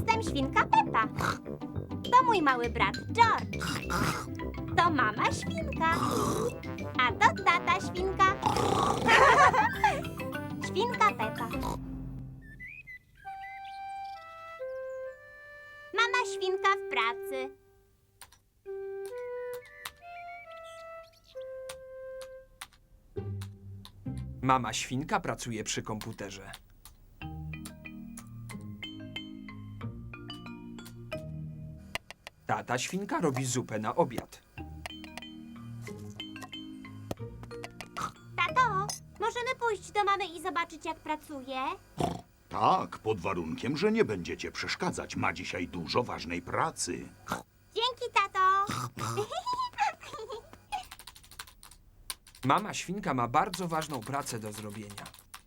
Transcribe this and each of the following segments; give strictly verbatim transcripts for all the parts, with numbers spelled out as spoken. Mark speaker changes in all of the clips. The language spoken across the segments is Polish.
Speaker 1: Jestem świnka Pepa. To mój mały brat George. To mama świnka. A to tata świnka. Świnka Pepa. Mama świnka w pracy.
Speaker 2: Mama świnka pracuje przy komputerze. Tata świnka robi zupę na obiad.
Speaker 1: Tato, możemy pójść do mamy i zobaczyć, jak pracuje?
Speaker 3: Tak, pod warunkiem, że nie będziecie przeszkadzać. Ma dzisiaj dużo ważnej pracy.
Speaker 1: Dzięki, tato.
Speaker 2: Mama świnka ma bardzo ważną pracę do zrobienia.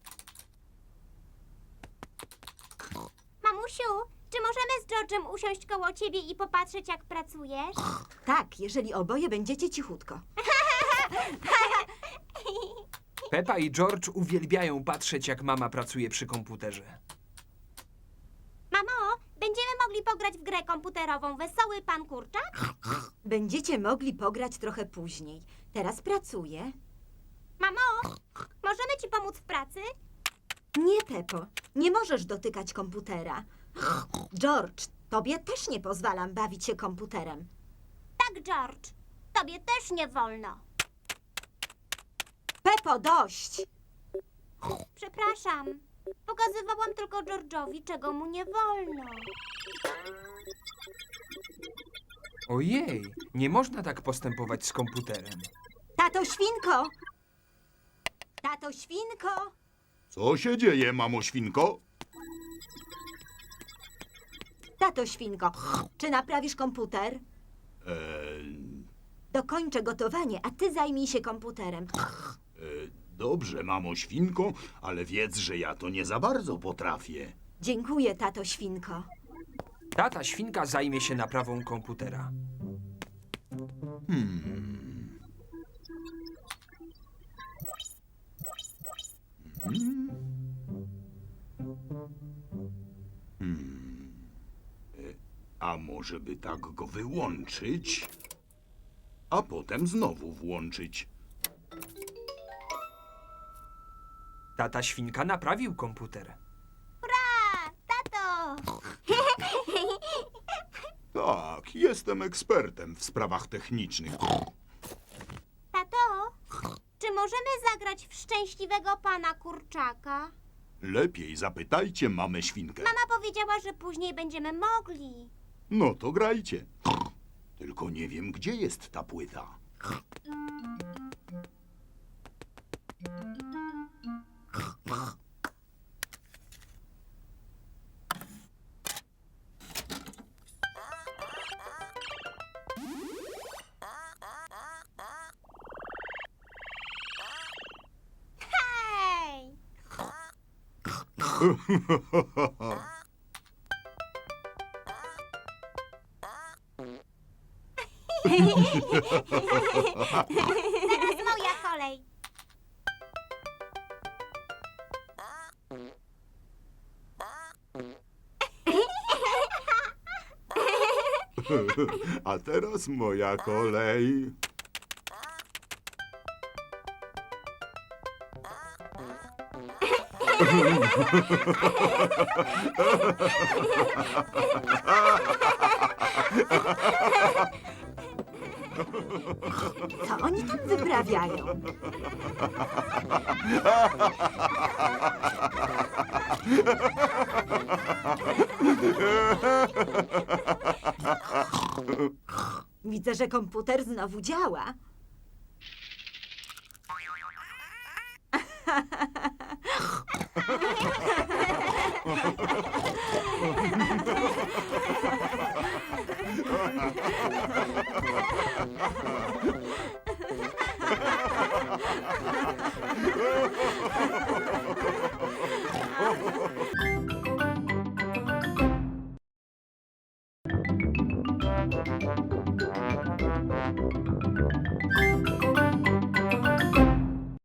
Speaker 1: Mamusiu, czy możemy z George'em usiąść koło ciebie i popatrzeć, jak pracujesz?
Speaker 4: Tak, jeżeli oboje będziecie cichutko.
Speaker 2: Pepa i George uwielbiają patrzeć, jak mama pracuje przy komputerze.
Speaker 1: Mamo, będziemy mogli pograć w grę komputerową Wesoły Pan Kurczak?
Speaker 4: Będziecie mogli pograć trochę później. Teraz pracuję.
Speaker 1: Mamo, możemy ci pomóc w pracy?
Speaker 4: Nie, Pepo, nie możesz dotykać komputera. George, tobie też nie pozwalam bawić się komputerem.
Speaker 1: Tak, George. Tobie też nie wolno.
Speaker 4: Pepo, dość!
Speaker 1: Przepraszam. Pokazywałam tylko George'owi, czego mu nie wolno.
Speaker 2: Ojej, nie można tak postępować z komputerem.
Speaker 4: Tato świnko! Tato świnko!
Speaker 3: Co się dzieje, mamo świnko?
Speaker 4: Tato świnko, czy naprawisz komputer?
Speaker 3: Eee,
Speaker 4: Dokończę gotowanie, a ty zajmij się komputerem.
Speaker 3: e, dobrze, mamo świnko, ale wiedz, że ja to nie za bardzo potrafię.
Speaker 4: Dziękuję, tato świnko.
Speaker 2: Tata świnka zajmie się naprawą komputera.
Speaker 3: Hmm. Hmm. Hmm. E, A może by tak go wyłączyć, a potem znowu włączyć?
Speaker 2: Tata świnka naprawił komputer.
Speaker 1: Hurra! Tato!
Speaker 3: Tak, jestem ekspertem w sprawach technicznych.
Speaker 1: Tato, czy możemy zagrać w Szczęśliwego Pana Kurczaka?
Speaker 3: Lepiej zapytajcie mamę świnkę.
Speaker 1: Mama powiedziała, że później będziemy mogli.
Speaker 3: No to grajcie. Tylko nie wiem, gdzie jest ta płyta.
Speaker 1: Hej! Teraz moja kolej.
Speaker 3: A teraz moja kolej.
Speaker 4: Co oni tam wyprawiają? Widzę, że komputer znowu działa.